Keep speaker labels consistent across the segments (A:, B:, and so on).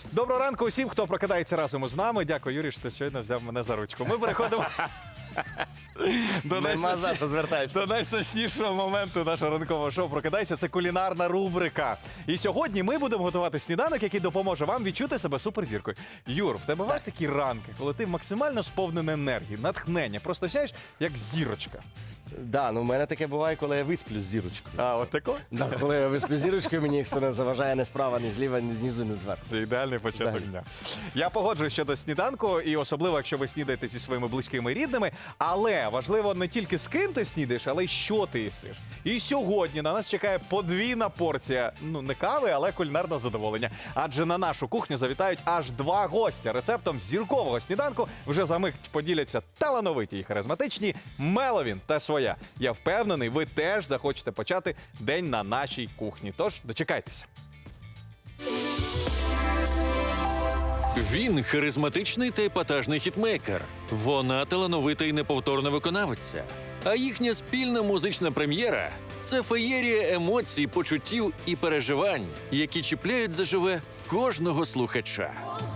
A: Доброго ранку усім, хто прокидається разом із нами. Дякую, Юрій, що ти щойно взяв мене за ручку. Ми переходимо до найсочнішого моменту нашого ранкового шоу «Прокидайся». Це кулінарна рубрика. І сьогодні ми будемо готувати сніданок, який допоможе вам відчути себе суперзіркою. Юр, в тебе бувають такі ранки, коли ти максимально сповнений енергії, натхнення, просто сяєш як зірочка.
B: Да, ну в мене таке буває, коли я висплю з зірочкою.
A: А, от тако?
B: Да, коли я висплю з зірочкою, мені ніхто не заважає ні справа, ні зліва, ні знизу, ні зверху.
A: Це ідеальний початок
B: Взагалі.
A: дня. Я погоджуюсь щодо сніданку, і особливо, якщо ви снідаєте зі своїми близькими і рідними. Але важливо не тільки з ким ти снідаєш, але й що ти їсиш. І сьогодні на нас чекає подвійна порція, ну не кави, але кулінарного задоволення. Адже на нашу кухню завітають аж два гостя. Рецептом зіркового сніданку вже за мить поділяться талановиті і харизматичні Меловін та Своя. Я впевнений, ви теж захочете почати день на нашій кухні. Тож дочекайтеся.
C: Він харизматичний та епатажний хітмейкер. Вона талановита і неповторна виконавиця. А їхня спільна музична прем'єра – це феєрія емоцій, почуттів і переживань, які чіпляють заживе кожного слухача.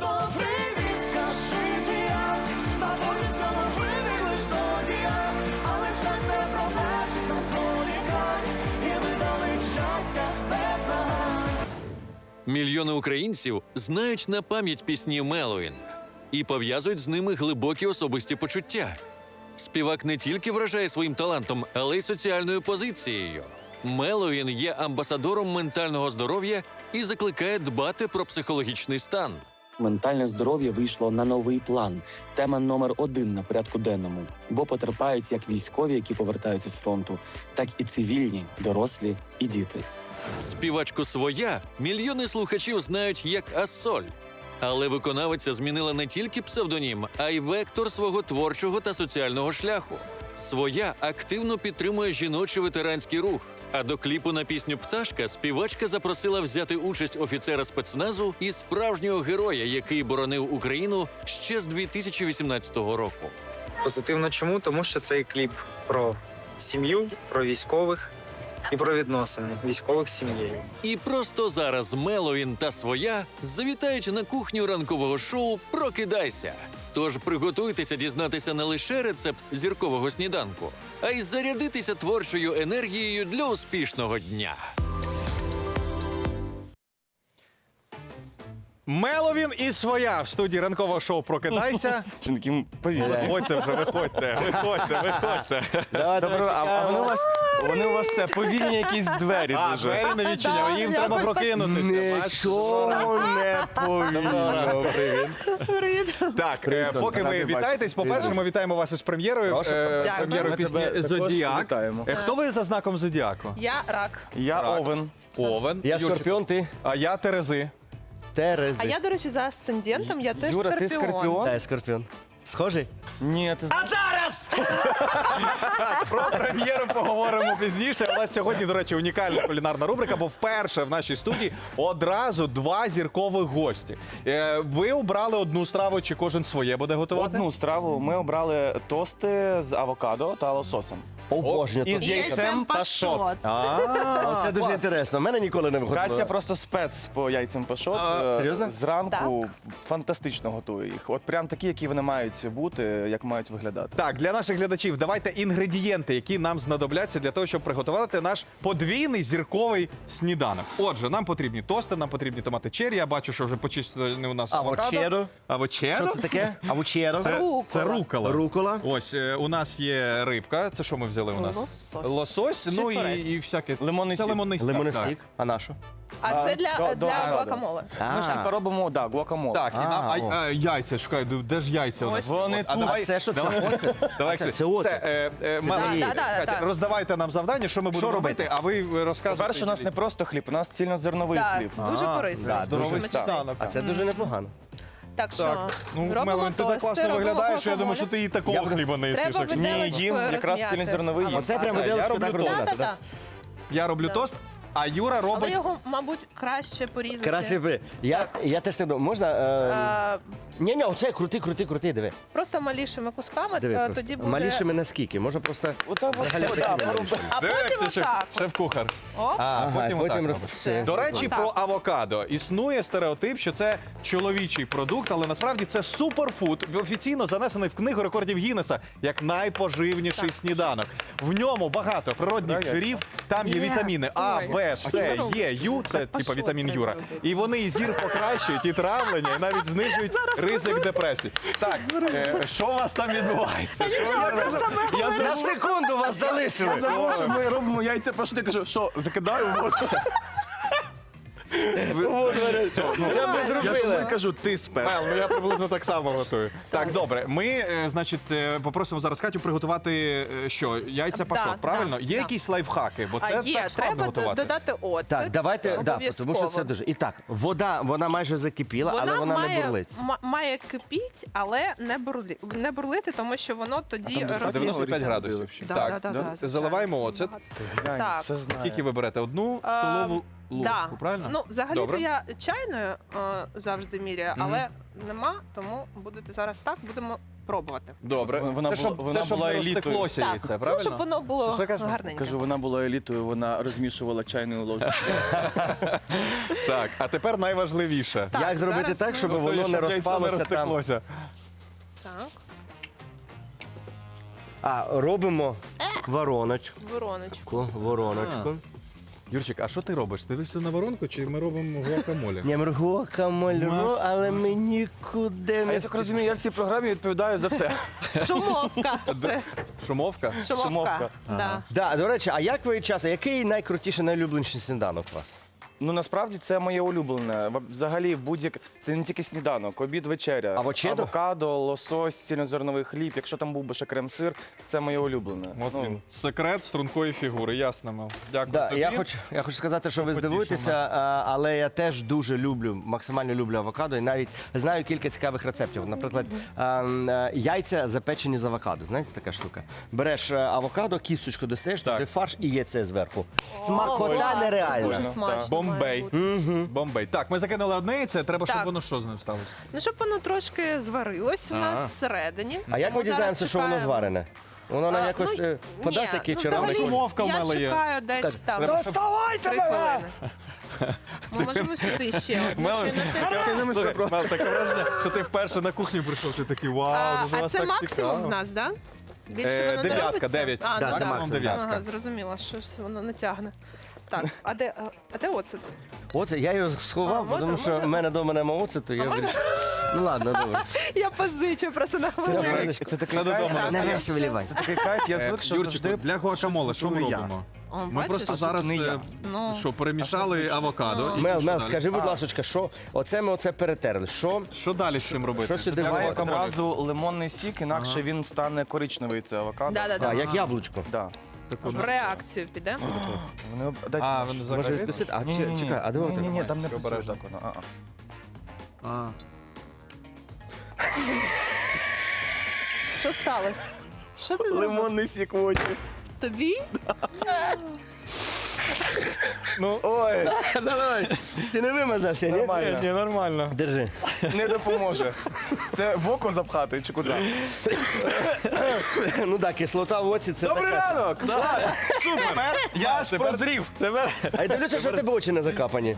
C: Мільйони українців знають на пам'ять пісні Меловін і пов'язують з ними глибокі особисті почуття. Співак не тільки вражає своїм талантом, але й соціальною позицією. Меловін є амбасадором ментального здоров'я і закликає дбати про психологічний стан.
D: Ментальне здоров'я вийшло на новий план. Тема номер 1 на порядку денному. Бо потерпають як військові, які повертаються з фронту, так і цивільні, дорослі і діти.
C: Співачку «Своя» мільйони слухачів знають як Ассоль. Але виконавиця змінила не тільки псевдонім, а й вектор свого творчого та соціального шляху. «Своя» активно підтримує жіночий ветеранський рух. А до кліпу на пісню «Пташка» співачка запросила взяти участь офіцера спецназу і справжнього героя, який боронив Україну ще з 2018 року.
E: Позитивно чому? Тому що цей кліп про сім'ю, про військових і про відносини військових з сім'єю.
C: І просто зараз Меловін та Своя завітають на кухню ранкового шоу «Прокидайся». Тож приготуйтеся дізнатися не лише рецепт зіркового сніданку, а й зарядитися творчою енергією для успішного дня.
A: Меловін і Своя в студії ранкового шоу «Прокидайся».
B: Жінки повіряють.
A: Виходьте вже, виходьте.
F: А вони у вас це повільні якісь двері
A: А,
F: дуже.
A: двері не відчиняли, їм треба прокинутися.
B: Нічого не повірю.
A: Так, поки ви вітаєтесь, по-перше, ми вітаємо вас із прем'єрою. Прем'єрою
F: Ми
A: пісні
F: тебе також
A: «Зодіак».
F: вітаємо.
A: Хто ви за знаком Зодіаку?
G: Я рак.
F: Я
A: Так.
F: Овен.
A: Овен.
B: Я
A: Юрчик.
B: Скорпіон, ти
A: А я Терези.
B: Терези.
G: А я, до речі, за асцендентом, я теж
F: Юра, ти Скорпіон?
B: Та, я Скорпіон. Схожий?
F: Ні, ти
A: Про прем'єру поговоримо пізніше. У нас сьогодні, до речі, унікальна кулінарна рубрика, бо вперше в нашій студії одразу два зіркових гості. Ви обрали одну страву, чи кожен своє буде готувати?
F: одну страву. Ми обрали тости з авокадо та лососем.
B: Обожнюю.
F: І
B: то.
F: з яйцем пашот.
B: А це дуже інтересно. У мене ніколи не
F: Катя
B: виходило.
F: просто спец по яйцям пашот.
B: серйозно?
F: Зранку фантастично готує їх. От прям такі, які вони мають бути, як мають виглядати.
A: Так, для наших глядачів давайте інгредієнти, які нам знадобляться для того, щоб приготувати наш подвійний зірковий сніданок. Отже, нам потрібні тости, нам потрібні томати черрі. Я бачу, що вже почистили у нас
B: Авочедо.
A: Авочедо?
B: Що це таке? Авучеро.
A: Це рукола.
B: Рукола.
A: Ось у нас є рибка. Це що ми взяли у нас?
G: Лосось.
A: Лосось, ну
G: Шифрет.
A: і всяке.
F: Лимонний
A: Це
F: сік.
A: лимонний сік.
B: Лимонний
A: так.
B: сік. А на що?
G: А це для
F: до
G: гуакамоле.
F: Ми ж тепер робимо, гуакамоле.
A: Так, і нам
B: о.
A: яйця, шукай, де ж яйця у нас?
G: Ось.
F: Вони
A: А
F: тут.
A: давай,
B: А це що? Це оце?
A: давай,
B: це оце.
A: Меловін,
G: Да,
A: Катя,
G: так.
A: роздавайте нам завдання, що ми будемо робити, а ви розказуєте.
F: По-перше, у нас не просто хліб, у нас цільнозерновий
G: Так,
F: хліб.
G: дуже корисно.
B: да,
A: здоровий
G: Дуже смачний.
A: сніданок.
B: А це дуже непогано.
G: Так що
A: Так, ну,
G: робимо
A: Меловін, ти так
G: тости,
A: класно
G: робимо
A: виглядаєш, що я думаю, що
G: гуакамоле.
A: ти і такого хліба не їсиш.
G: Треба
A: якщо-
G: виделочку
F: Ні, їм якраз
G: розм'яти.
F: цільнозерновий їм.
B: Оце прямо
A: я
B: виделочку
A: роблю
B: так
A: тост.
B: розглядати,
G: Да-да-да.
B: так?
A: Я роблю тост. А Юра
G: Але
A: робить.
G: його, мабуть, краще порізати.
B: Краще. Я теж так думаю. Можна? Ні, оце крути, диви.
G: Просто малішими кусками,
B: Диви просто.
G: тоді буде...
B: Малішими наскільки? Можна просто
F: Отак от,
B: взагалі
F: да,
B: такими малішими.
G: А
A: Дивіться,
G: потім отак.
A: шеф-кухар.
G: Оп.
A: А потім отак робить.
G: Все.
A: До речі,
G: Отак.
A: про авокадо. Існує стереотип, що це чоловічий продукт, але насправді це суперфуд, офіційно занесений в книгу рекордів Гіннеса як найпоживніший сніданок. В ньому багато природних жирів, там є вітаміни А, Б, С, Е, Ю, це типу вітамін Юра. І вони і зір покращують, і травлення, і навіть знижують ризик депресії. Так, що у вас там відбувається?
B: На секунду вас залишили.
F: Тому що ми робимо яйця пашот, я кажу, що, закидаю в воду?
B: Це ми
F: Я ж
B: зробили.
F: кажу, ти спер.
A: Мел, ну я приблизно так само готую. Так, добре. Ми, значить, попросимо зараз Катю приготувати що? Яйця пашот, правильно? Є якісь лайфхаки, бо це
G: Є,
A: так складно
G: треба
A: готувати.
G: додати оцет.
B: Так, давайте, тому що це дуже. І так, вода, вона майже закипіла, але вона не бурлить.
G: Має кипіть, але не бурлити, тому що воно тоді
A: 95 градусів. Так, заливаємо оцет.
G: Так.
F: Це знаю.
A: Скільки ви берете? Одну столову ложку, правильно?
G: Ну, взагалі-то
A: Добре.
G: я чайною завжди міряю, але нема, тому будете зараз так, будемо пробувати.
A: Добре.
F: Вона
A: Це щоб
F: була
A: не
F: елітою.
A: розтеклося яйце,
G: Ну,
A: правильно?
G: щоб воно було
A: Що кажеш?
G: гарненьке.
F: Кажу, вона була елітою, вона розмішувала чайною ложкою.
A: Так, а тепер найважливіше.
G: Так,
B: Як зробити
G: зараз
B: так,
G: ми-
B: щоб
A: Готую,
B: воно не
A: яйцо
B: розпалося там?
A: розтеклося.
G: Так,
B: А, робимо вороночку.
G: вороночку.
A: Юрчик, а що ти робиш? Ти дивишся на воронку чи ми робимо гуакамолі?
B: Не мргокамольру, але ми нікуди
F: А
B: не
F: я так розумію, я в цій програмі відповідаю за все.
G: Шумовка. Це
A: Шумовка?
G: шумовка.
F: Шумовка.
G: Да.
B: Да, до речі, а як ви часто, який найкрутіший, найлюбленіший сніданок у вас?
F: Ну насправді це моє улюблене. Взагалі будь-як це не тільки сніданок, обід, вечеря.
B: Авокадо?
F: Авокадо, лосось, цільнозерновий хліб. Якщо там був би ще крем-сир, це моє улюблене.
A: От
F: Ну,
A: він. Секрет стрункої фігури, ясно, Мел. Дякую
B: Да,
A: тобі.
B: я хочу сказати, що ви
A: Потішив
B: здивуєтеся, але я теж дуже люблю, максимально люблю авокадо і навіть знаю кілька цікавих рецептів. Наприклад, яйця запечені з авокадо. Знаєте, така штука. Береш авокадо, кісточку достаєш, туди фарш і яйце зверху. Смакота
G: клас,
B: нереальна.
G: Дуже смачно.
A: Бомбей.
G: має бути.
A: Бомбей. Так, ми закинули одне яйце, треба, щоб
G: Так.
A: воно що з ним сталося?
G: Ну, щоб воно трошки зварилось у нас всередині.
B: А як ми
G: Тому
B: дізнаємося,
G: зараз
B: що воно
G: чекаємо.
B: зварене? Воно нам
G: А,
B: якось
G: ну,
B: подасть
G: ні,
B: який
G: ну,
B: червоний.
G: взагалі,
A: Шумовка в мене є.
G: Я чекаю десь там.
A: треба,
G: Три
B: Доставайте
G: хвилини. Ми можемо сюди ще.
A: Мел,
G: одну
A: слухай, Мел, таке враження, що ти вперше на кухню прийшов, ти такий вау, дуже
G: А
A: вас
G: це
A: так
G: максимум в
A: цікаво.
G: нас, так? Більше воно не
A: Дев'ятка,
G: робиться?
A: 9.
G: А,
B: Да,
G: ну,
B: це
G: так.
B: максимум
A: дев'ятка.
G: Ага, зрозуміла, щось воно не тягне. Так, а де оцет?
B: Оце я його сховав,
G: А,
B: тому що
G: може?
B: в мене вдома нема оцету. Я
G: може?
B: вирішив. Ну ладно, добре.
G: Я позичу просто на хвилину.
F: Це такий
A: Надо
F: кайф,
A: дома.
B: Не весь вилівай.
F: це такий кайф, я звик, що
A: Юрчику,
F: завжди
A: для гуакамоле що ми
F: готую я.
A: робимо?
G: О,
A: Ми
G: бачиш?
A: просто зараз
F: не я.
G: Ну.
A: що, перемішали авокадо. і
B: Мел,
A: що далі?
B: скажи, будь ласка, що оце ми перетерли. Що
A: Що далі з цим робити?
B: що сюди
A: Для
B: має
A: гуакамоле.
F: Одразу лимонний сік, інакше він стане коричневий, це авокадо.
G: Да-да-да.
B: як яблучко.
F: Да.
G: В реакцію піде.
F: Вони, дайте
A: А,
F: нож.
A: вони
B: Може
A: взагалі?
B: відкусити? А
F: Ні-ні-ні.
B: чекай, а де воно?
F: Ні, там не
A: Обережно.
F: працює так воно. А-а.
G: Що сталося? Що ти зробив?
F: Лимонний сік в очі.
G: Тобі?
F: Ой,
B: Давай. Ти не вимазався, ні?
F: нормально.
A: Ні, нормально.
B: Держи.
F: Не допоможе. Це в око запхати чи куди?
B: Ну так, кислота в оці це
F: Добрий
B: таке.
F: ранок! Клас! Супер! Я ж прозрів.
B: А я дивлюся, що в тебе очі не закапані.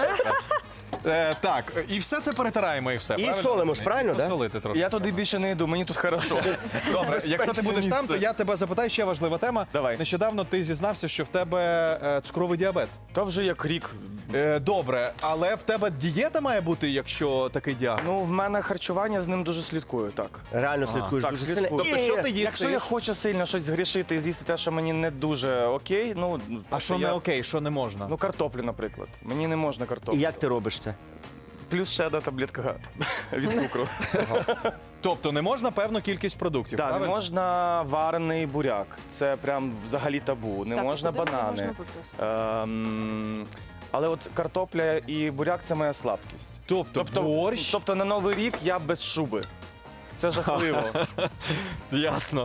A: Так, і все це перетираємо, і все.
B: І
A: правильно?
B: солимо ж, правильно, да?
A: Солити трошки.
F: Я туди більше не йду, мені тут хорошо.
A: Добре, якщо ти будеш там, то я тебе запитаю, ще важлива тема.
F: Давай.
A: Нещодавно ти зізнався, що в тебе цукровий діабет.
F: То вже як рік.
A: Добре, але в тебе дієта має бути, якщо такий діагноз?
F: Ну, в мене харчування з ним дуже слідкую, так.
B: Реально слідкуєш
F: так,
B: дуже
F: слідкую.
B: сильно.
A: Тобто, що ти їсиш?
F: Якщо я хочу сильно щось згрішити і з'їсти те, що мені не дуже окей, ну...
A: А що не окей, що не можна?
F: Ну, картоплю, наприклад. Мені не можна
B: І
F: картоплю.
B: як ти робиш це?
F: Плюс ще одна таблетка від цукру.
A: Тобто не можна певну кількість продуктів,
F: Так, не
A: правильно?
F: можна варений буряк. Це прям взагалі табу. Не
G: Так,
F: можна
G: куди
F: банани.
G: можна виплюснути?
F: Але от картопля і буряк це моя слабкість.
A: Тобто борщ?
F: Тобто на Новий рік я без шуби. Це жахливо.
A: Ясно.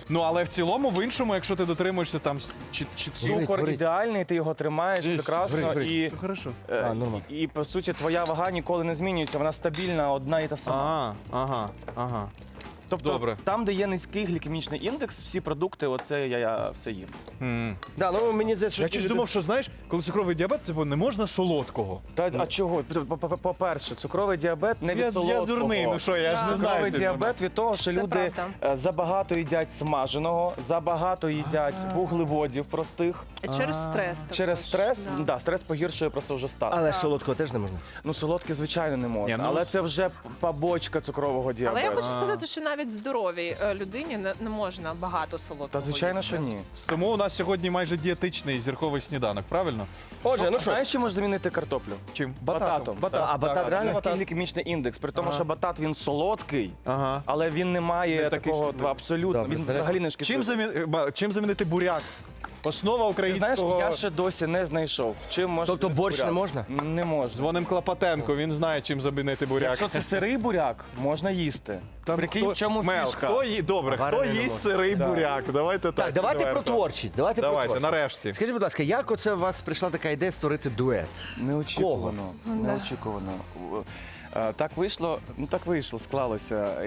A: Ну, але в цілому, в іншому, якщо ти дотримуєшся там чи
F: Цукор
B: горить.
F: ідеальний, ти його тримаєш прекрасно
B: горить.
F: і,
A: Хорошо.
B: нормально.
F: і по суті твоя вага ніколи не змінюється, вона стабільна, одна і та сама.
A: Ага.
F: Тобто
A: добре.
F: там, де є низький глікемічний індекс, всі продукти, оце я все їм.
B: Да, ну мені здається, що
A: Я
B: ті
A: щось
B: люди-
A: думав, що знаєш, коли цукровий діабет, типу, не можна солодкого.
F: А чого? По-перше, цукровий діабет не від
A: Я
F: солодкого.
A: дурний, ну що, я ж не знаю.
F: Цукровий
A: цей
F: діабет від того, що люди
G: правда.
F: забагато їдять смаженого, забагато їдять вуглеводів простих.
G: Через стрес.
F: Через
G: також,
F: стрес,
G: да.
F: да, стрес погіршує просто вже стан.
B: Але солодкого теж не можна.
F: Ну, солодке, звичайно, не можна.
A: Ні, ну,
F: але це вже побочка цукрового діабету.
G: Але я хочу сказати, що навіть здоровій людині не можна багато солодкого.
F: Та звичайно,
G: їсти.
F: що ні.
A: Тому у нас сьогодні майже дієтичний зірковий сніданок, правильно?
B: Отже, ну що,
F: Знаєш, чим можеш замінити картоплю?
A: Чим?
F: Бататом.
B: А батат реально
F: Низький глікемічний індекс. При тому,
A: Ага.
F: що батат він солодкий,
A: Ага.
F: але він не має
A: Не такий,
F: такого
A: що-
F: абсолютно.
B: Добре,
F: Він
B: заряд.
F: взагалі не шкідливий.
A: Чим замінити буряк? Основа
F: Ти знаєш,
A: українського...
F: я ще досі не знайшов. Чим можна
B: Тобто
F: замінити
B: борщ не
F: буряк.
B: можна?
F: Не можна.
A: Дзвоним Клопотенко, він знає, чим замінити буряк.
F: Якщо це сирий буряк, можна їсти.
A: Там
F: Прикинь, в чому
A: Мел,
F: фішка?
A: Добре, хто
B: Варений не
A: їсть
B: можна.
A: сирий
F: Так.
A: буряк? Давайте так.
B: так, давайте про
A: відверто.
B: творчість. Давайте про
A: Давайте,
B: творчість.
A: нарешті.
B: Скажіть, будь ласка, як оце у вас прийшла така ідея створити дует?
F: Неочікувано. Неочікувано. Так вийшло, склалося.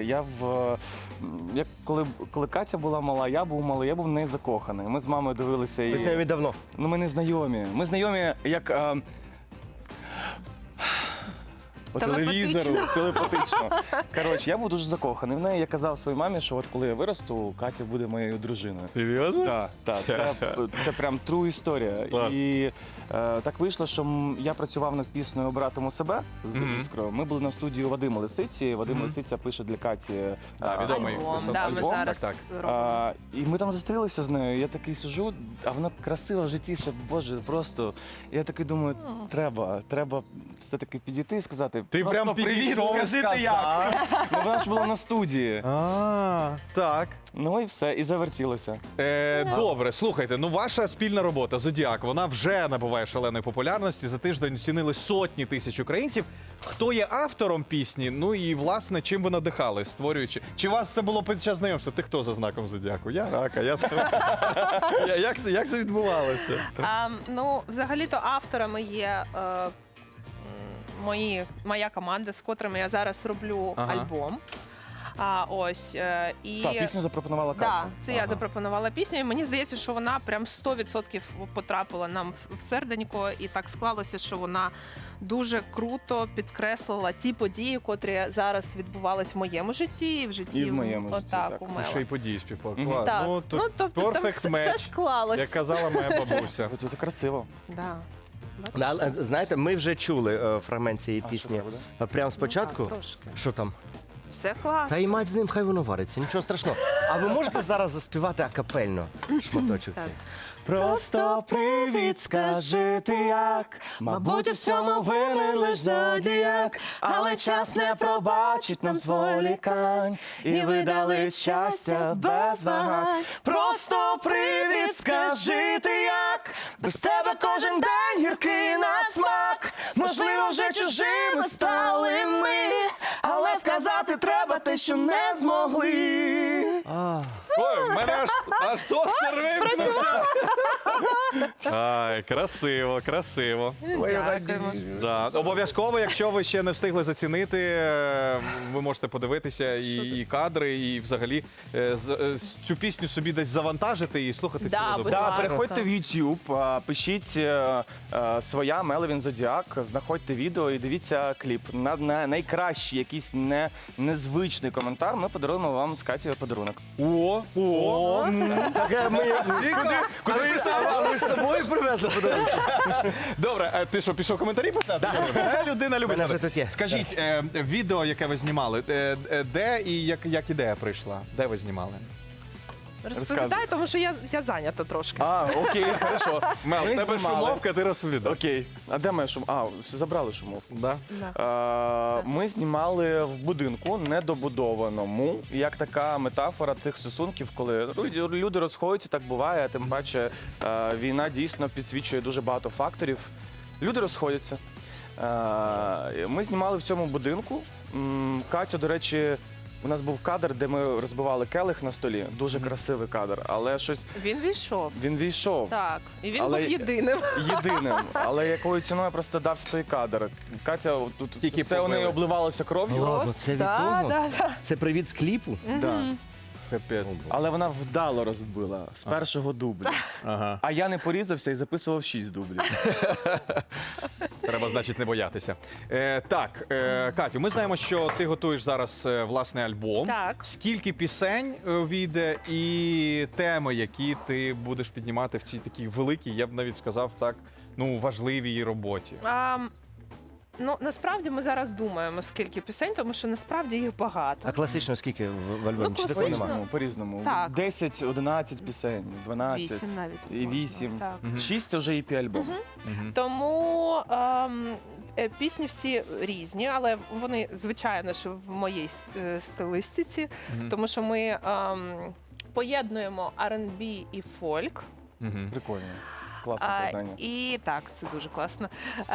F: Коли Катя була мала, я був малий, я був в неї закоханий. Ми з мамою дивилися
B: Ви з нею
F: її.
B: віддавно.
F: Ну, ми не знайомі. Ми знайомі як по телевізору, телепатично. Коротше, я був дуже закоханий в неї. Я казав своїй мамі, що от коли я виросту, Катя буде моєю дружиною.
A: Серйозно?
F: Так. Це прям true історія.
A: Клас.
F: І так вийшло, що я працював над піснею «Обратиму себе» з Іскрою. Ми були на студії у Вадима Лисиці. Вадим Лисиця пише для Каті
A: відомий.
G: Альбом, да, ми
A: Альбом,
G: зараз
A: так,
G: робимо.
F: і ми там зустрілися з нею. Я такий сижу, а вона красива в житті, ще, боже, просто. Я такий думаю, треба все-таки підійти і сказати.
A: Ти
F: просто
A: прям
F: привіт,
A: підійшов,
F: скажи ти
A: сказав.
F: як. Ну, вона ж була на студії.
A: Так.
F: Ну і все, і завертілося.
A: Добре, слухайте, ну ваша спільна робота «Зодіак», вона вже набуває шаленої популярності. За тиждень оцінили сотні тисяч українців. Хто є автором пісні? Ну і, власне, чим ви надихали, створюючи? Чи у вас це було під час знайомства? Ти хто за знаком «Зодіаку»? Я рака, Як це відбувалося?
G: Ну, взагалі-то авторами є моя команда, з котрими я зараз роблю
A: Ага.
G: альбом. І
F: Так, пісню запропонувала Катя.
G: Так, це я запропонувала пісню, і мені здається, що вона прям 100% потрапила нам в серденько, і так склалося, що вона дуже круто підкреслила ті події, котрі зараз відбувались в моєму житті, і в житті
F: І в моєму житті,
G: отак,
F: так.
G: у
A: Ще й
G: Мела.
A: події співпали.
F: Мгм.
A: Клас.
G: Так.
A: Ну,
G: Ну, тобто там
A: perfect
G: все
A: match,
G: склалось.
A: як казала моя бабуся.
F: Це красиво.
G: Да.
B: Але, знаєте, ми вже чули фрагмент цієї
F: А
B: пісні
F: що це
B: прямо спочатку.
G: так, трошки.
B: Що там?
G: Все класно.
B: Та й мать з ним, хай воно вариться, нічого страшного. А ви можете зараз заспівати акапельно шматочок
G: Так.
B: цей?
F: Просто привіт, скажи ти як. Мабуть, у всьому винен лиш зодіяк, але час не пробачить нам зволікань і видалить щастя без вагань. Просто привіт, скажи ти як. Без тебе кожен день гіркий на смак. Можливо, вже чужими стали ми, але сказати треба те, що не змогли.
A: Ой, в мене аж тостер вимкнувся. Ай, красиво, красиво.
G: Дякуємо.
A: Да. Обов'язково, якщо ви ще не встигли зацінити, ви можете подивитися і кадри, і взагалі цю пісню собі десь завантажити і слухати
G: Да,
A: цілу
G: будь
A: добу.
F: Да,
G: ласка.
F: переходьте в YouTube, пишіть своя Меловін Зодіак, знаходьте відео і дивіться кліп. На найкращий якийсь незвичний коментар ми подаруємо вам з Катєю подарунок.
A: О!
B: Так, ми з собою привезли подарунок.
A: Добре, а ти що, пішов коментарі писати? Людина любить.
B: Мене вже тут є.
A: Скажіть, відео, яке ви знімали, де і як ідея прийшла? Де ви знімали?
G: Розповідай, тому що я зайнята трошки.
F: А, окей, хорошо.
A: Мел,
F: Ми
A: в тебе
F: знімали.
A: шумовка, ти розповідай.
F: Окей. А де моя шумовка? А, все, забрали шумовку.
A: Да?
G: Да.
F: Ми знімали в будинку недобудованому, як така метафора цих стосунків, коли люди розходяться, так буває, тим паче війна дійсно підсвічує дуже багато факторів. Люди розходяться. Ми знімали в цьому будинку. Катя, до речі, У нас був кадр, де ми розбивали келих на столі. Дуже красивий кадр, але щось
G: Він війшов.
F: він війшов
G: Так, і він
F: Але-
G: був єдиним.
F: єдиним. Але якою ціною просто дався той кадр. Катя, тут
A: Тільки
F: це у неї
A: побили.
F: обливалося кров'ю.
B: Ладно, це від того?
G: Да.
B: Це привіт з кліпу?
F: Да.
A: Капець.
F: Але вона вдало розбила з першого дублю.
A: Ага.
F: А я не порізався і записував 6 дублів.
A: Треба, значить, не боятися. Так, Катю, ми знаємо, що ти готуєш зараз власний альбом.
G: Так.
A: Скільки пісень війде і теми, які ти будеш піднімати в цій такій великій, я б навіть сказав так, ну, важливій роботі?
G: Ну, насправді ми зараз думаємо, скільки пісень, тому що насправді їх багато.
B: А класично скільки в альбомі?
G: Ну,
B: Чи такого
G: класично.
B: нема?
F: По-різному.
G: Так.
F: 10, 11 пісень, 12.
G: 8 навіть.
F: І
G: можна,
F: 8.
G: Так.
F: 6 це вже EP-альбом.
G: Тому пісні всі різні, але вони, звичайно, що в моїй стилістиці, тому що ми поєднуємо R&B і фольк.
A: Мгм.
F: Прикольно. Класне поєднання.
G: І так, це дуже класно.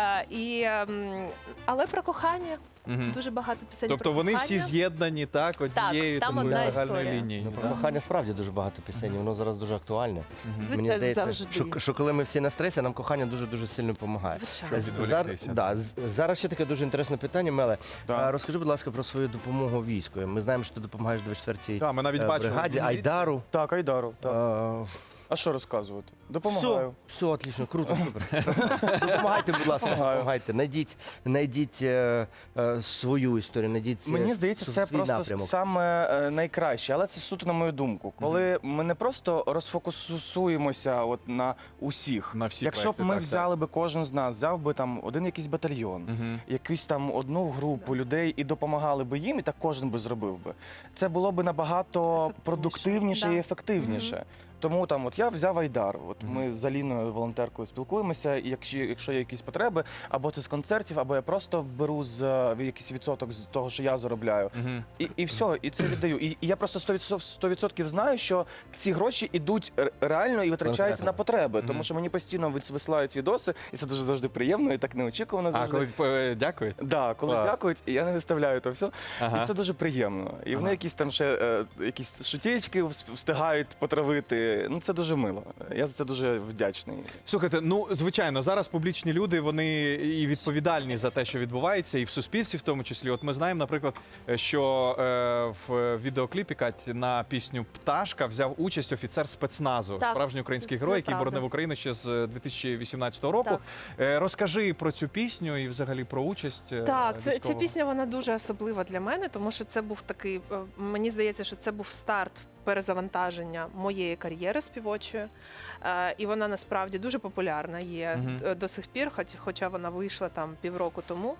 G: Але про кохання.
A: Мгм.
G: Дуже багато пісень
A: Тобто
G: про
A: вони
G: кохання.
A: всі з'єднані, так, однією
G: там
A: такою
G: одна
A: загальною
G: історія.
A: лінією.
B: Ну, про кохання справді дуже багато пісень, і воно зараз дуже актуальне. Мені здається,
G: завжди.
B: що коли ми всі на стресі, нам кохання дуже-дуже сильно допомагає.
G: Звичайно.
A: Щоб відволіктися.
B: Зараз ще таке дуже інтересне питання, Меле.
F: Так.
B: Розкажи, будь ласка, про свою допомогу війську. Ми знаємо, що ти допомагаєш 24-й
A: Так, ми навіть бачили.
B: бригаді, Айдару.
F: Так, Айдару. Так.
B: Е,
F: А що розказувати?
B: Все,
F: Допомагаю.
B: все, отлично, круто, супер. Допомагайте, будь ласка,
F: Допомагаю.
B: допомагайте. Найдіть свою історію, найдіть
F: Мені здається, це
B: свій
F: просто
B: напрямок.
F: саме найкраще, але це суто на мою думку. Коли ми не просто розфокусуємося от на усіх.
A: На всі
F: Якщо б
A: проекти,
F: ми
A: так,
F: взяли би кожен з нас, взяв би там один якийсь батальйон,
A: Мгм.
F: якусь там одну групу людей і допомагали би їм, і так кожен би зробив би. Це було б набагато
G: Ефективніше.
F: продуктивніше
G: Да.
F: і ефективніше. Тому там, от я взяв Айдар. От ми з Аліною, волонтеркою, спілкуємося, і якщо є якісь потреби, або це з концертів, або я просто беру якийсь відсоток з того, що я заробляю.
A: Мгм.
F: І все, і це віддаю. І я просто 100% знаю, що ці гроші йдуть реально і витрачаються
B: Конкретно.
F: на потреби. Тому що мені постійно висилають відоси, і це дуже завжди приємно, і так неочікувано
A: А,
F: завжди.
A: коли дякують?
F: Да, коли
A: Так.
F: дякують, і я не виставляю то все.
A: Ага.
F: І це дуже приємно. І вони якісь там ще якісь шутєчки встигають потравити. Ну це дуже мило. Я за це дуже вдячний.
A: Слухайте, ну звичайно, зараз публічні люди вони і відповідальні за те, що відбувається, і в суспільстві, в тому числі. От ми знаємо, наприклад, що в відеокліпі Кать на пісню Пташка взяв участь офіцер спецназу,
G: Так,
A: справжній український
G: це
A: герой, який
G: правда.
A: боронив Україну ще з 2018 року. Розкажи про цю пісню і взагалі про участь.
G: Так, ця
A: військового.
G: пісня вона дуже особлива для мене, тому що це був такий. Мені здається, що це був старт перезавантаження моєї кар'єри співочої. І вона насправді дуже популярна є до сих пір, хоча вона вийшла там півроку тому.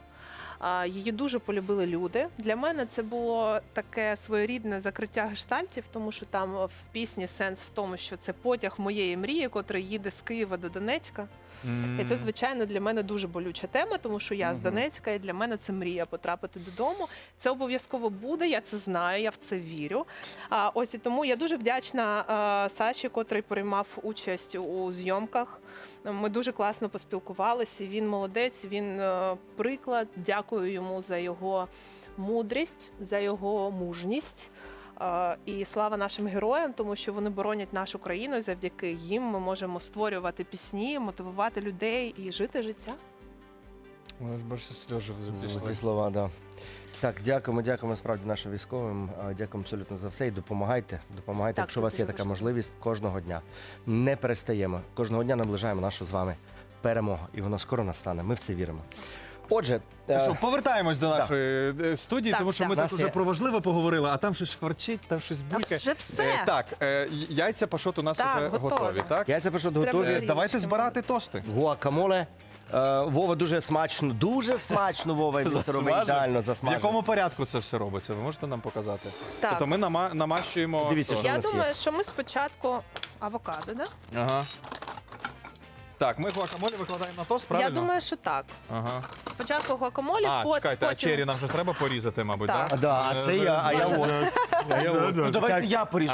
G: Її дуже полюбили люди. Для мене це було таке своєрідне закриття гештальтів, тому що там в пісні сенс в тому, що це потяг моєї мрії, котрий їде з Києва до Донецька. І це, звичайно, для мене дуже болюча тема, тому що я з Донецька, і для мене це мрія потрапити додому. Це обов'язково буде, я це знаю, я в це вірю. Ось і тому я дуже вдячна Саші, котрий приймав участь у зйомках. Ми дуже класно поспілкувалися. Він молодець, він приклад. Дякую йому за його мудрість, за його мужність. І слава нашим героям, тому що вони боронять нашу країну. І завдяки їм ми можемо створювати пісні, мотивувати людей і жити життя.
A: Більше сльози
B: Золоті
A: пішли.
B: слова, да. Так, дякуємо справді нашим військовим. Дякуємо абсолютно за все і допомагайте. Допомагайте,
G: Так,
B: якщо у
G: це
B: вас є
G: дуже
B: така
G: важливо.
B: можливість кожного дня. Не перестаємо. Кожного дня наближаємо нашу з вами перемогу. І воно скоро настане. Ми в це віримо. Отже,
A: Що, повертаємось до нашої студії,
G: Так,
A: тому що
G: так.
A: ми тут
B: Нас
A: вже
B: є-
A: про важливе поговорили, а там щось шкварчить, там щось
G: Та
A: булькає.
G: вже все.
A: Так, яйця пашот у нас
G: Так,
A: вже
G: готові.
A: готові, так?
B: яйця пишуть
G: Треба
B: готові.
G: різати.
A: Давайте збирати тости.
B: Гуакамоле. Вова дуже смачно, Вова, він це робить ідеально
A: В
B: засмажив.
A: якому порядку це все робиться? Ви можете нам показати?
G: Так.
A: Тобто ми намащуємо.
B: Дивіться,
A: що?
B: що
G: Я
B: у нас є?
G: думаю, що ми спочатку авокадо, да?
A: Ага. Так, ми гуакамолі викладаємо на тост, правильно?
G: Я думаю, що так.
A: Ага.
G: Спочатку гуакамолі,
A: Чекайте, а
G: потім...
A: чері нам вже треба порізати, мабуть,
G: Так.
A: так?
B: Да, а це я, а я от.
F: Ну давайте я поріжу.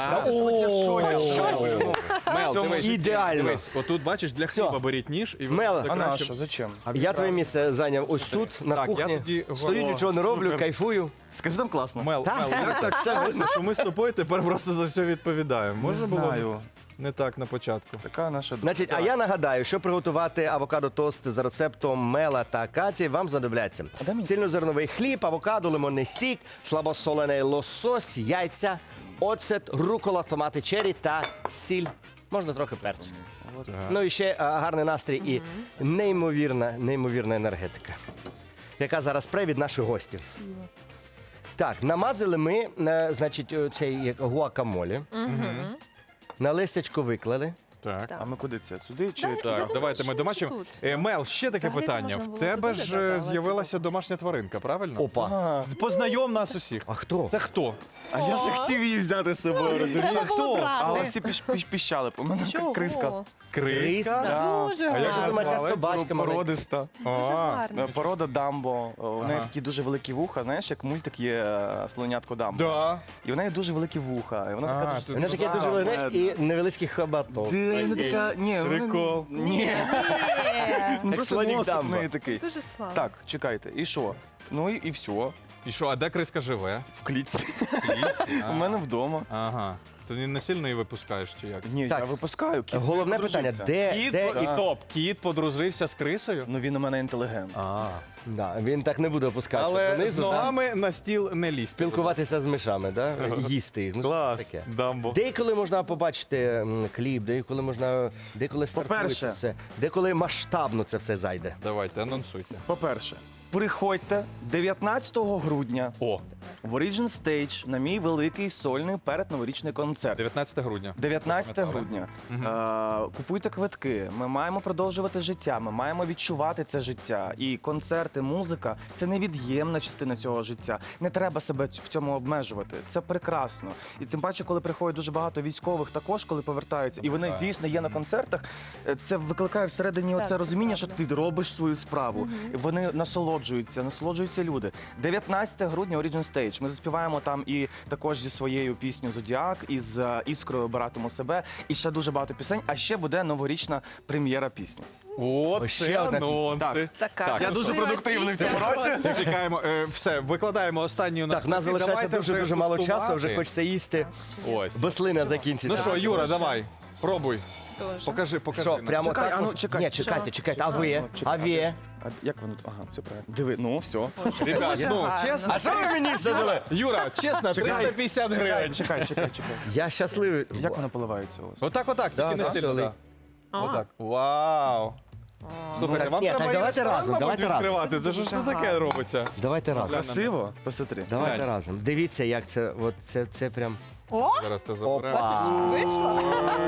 A: Мел, дивись,
B: ідеально.
A: дивись, отут, бачиш, для
B: Всьо.
A: хліба беріть ніж і
B: Мел,
A: буде
F: А на
A: краще.
F: що? Зачем?
B: Я твоє місце зайняв ось тут, на
A: Так, я
B: кухні.
A: тоді-
B: Стою,
A: О,
B: нічого не роблю,
A: супер.
B: кайфую.
F: Скажи, там класно.
A: Мел, як так сталося, що ми з тобою тепер просто за все відповідаємо?
F: Не
A: Можна було
F: знаю.
A: не так на початку?
F: Така наша
B: Значить, а я нагадаю, що приготувати авокадо-тост за рецептом Мела та Каті вам знадобляться.
F: дай мені.
B: Цільнозерновий хліб, авокадо, лимонний сік, слабосолений лосось, яйця, оцет, рукола, томати чері та сіль. Можна трохи перцю. Ну і ще гарний настрій і неймовірна енергетика, яка зараз пре від наших гостів. Так, намазали ми, значить, цей як гуакамолі. На листячко виклали.
A: Так.
F: А ми куди це? Сюди чи
G: Дай-
F: так?
G: Я
A: Так,
G: думаю,
A: давайте ми
G: що
A: домашнім.
G: тут.
A: Мел, ще таке
G: Взагалі
A: питання.
G: можна
A: В
G: було
A: тебе
G: туди
A: ж
G: додавати,
A: з'явилася домашня тваринка, правильно?
B: Опа.
F: А,
A: Познайом нас усіх.
B: А хто?
A: Це хто?
F: а я ж хотів її взяти з собою, розумієш?
G: Треба було
F: Але
G: брати.
F: всі піщали. У мене
G: Чого?
F: криска.
A: Криска?
F: Да.
G: Дуже
A: А як же
B: Що думаєте,
A: назвали?
B: собачка маленька?
F: Породиста.
G: Дуже
A: А,
G: гарно.
F: Порода Дамбо. У неї
A: Ага.
F: такі дуже великі вуха. Знаєш, як мультик є слонятко Дамбо.
A: Да.
F: І в неї дуже великі вуха. І вона
A: А,
F: така
A: ти-
F: дуже
B: Вона таке дуже велике і невеличкий хабаток.
F: вона така, ні, вона-
A: Прикол.
F: Ні,
G: Ні.
F: ну
B: Як
F: просто
B: слонік
F: носик в
B: Дамбо.
F: неї такий.
G: Дуже слава.
F: Так, чекайте, і що? Ну і все.
A: І що, а де криска живе?
F: В клітці.
A: Клітці?
F: У мене вдома.
A: Ага. Ти не сильно її випускаєш чи як?
F: Ні,
B: Так,
F: я випускаю. Кіт
B: Головне
F: подружився.
B: питання, де і
A: Стоп, кіт подружився з крисою?
F: Ну він у мене інтелігент.
B: Да, він так не буде опускатися
A: Але з
B: донизу, да?
A: ногами на стіл не лізь.
B: Спілкуватися з мишами, да? Їсти їх. Ну,
A: Клас,
B: що це таке?
A: Дамбо.
B: Деколи можна побачити кліп, деколи стартує
F: По-перше.
B: це все, деколи масштабно це все зайде.
A: Давайте, анонсуйте.
F: По-перше, приходьте 19 грудня
A: О,
F: в Origin Stage на мій великий сольний передноворічний концерт.
A: 19 грудня.
F: 19 грудня. Купуйте квитки. Ми маємо продовжувати життя. Ми маємо відчувати це життя. І концерти, музика це невід'ємна частина цього життя. Не треба себе в цьому обмежувати. Це прекрасно. І тим паче, коли приходить дуже багато військових, також коли повертаються, і вони дійсно є на концертах. Це викликає всередині
G: Так,
F: оце
G: це
F: розуміння, що
G: правда.
F: ти робиш свою справу. Вони насолоджуються люди. 19 грудня Origin Stage. Ми заспіваємо там і також зі своєю піснею Зодіак, і з іскрою «Обиратиму себе, і ще дуже багато пісень. А ще буде новорічна прем'єра пісні.
A: О,
B: Ось
A: це
B: ще одна
A: анонси.
G: Така
A: Так,
F: Я дуже
G: красива
F: продуктивний в цьому
G: пісня.
F: році.
A: Чекаємо, все, викладаємо останню
B: Так, в нас залишається дуже мало часу, вже хочеться їсти.
A: Ось.
B: Бо слина закінчиться.
A: Ну що, Юра, давай, пробуй.
G: Дуже.
A: Покажи
B: Що,
A: нам.
B: прямо
F: Чекай,
B: так?
F: а ну, чекай.
B: Ні, чекайте, а ви? А ви?
F: А як воно? Ага, все правильно. Диви, ну все.
A: Ребят,
G: Дуже
A: ну,
G: гарно.
A: чесно,
B: А що ви мені все дали?
A: Юра, чесно, 350 гривень.
F: Чекай.
B: Я щасливий.
F: Як воно поливається у вас?
A: Отак,
B: Да,
A: тільки не
B: да,
A: сильно.
B: все,
A: да.
G: А.
A: Отак. Вау. Слухайте,
B: так,
A: вам
B: ні,
A: треба
B: так
A: і
B: давайте
A: ресторан,
B: разом,
A: мабуть,
B: давайте разом.
A: відкривати. Це ж що таке робиться?
B: Давайте разом.
F: Красиво? Посмотри.
B: Давайте
A: Глянь.
B: разом. Дивіться, як це, от це прям.
G: О,
A: Зараз ти
B: Опа.
A: забереш.
G: бачиш, вийшло.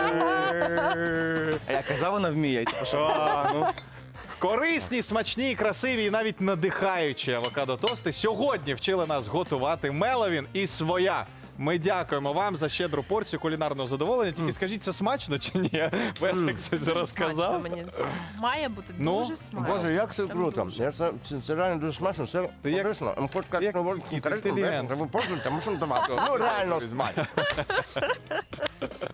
F: А я казав, вона вміє. Типу, що?
A: Корисні, смачні, красиві і навіть надихаючі авокадо-тости сьогодні вчили нас готувати Меловін і своя. Ми дякуємо вам за щедру порцію кулінарного задоволення. Тільки скажіть, це смачно чи ні? Петрик це
G: Смачно
A: розказав.
G: мені. Має бути
A: Ну,
G: дуже смачно.
B: Боже, як це
G: Прям
B: круто.
G: дуже.
B: Я це реально дуже смачно, це
A: як-
B: корисно. Хоч
A: як
B: як
A: кіт, інтелігент.
B: ви пробуйте, тому що давати. Ну реально смачно.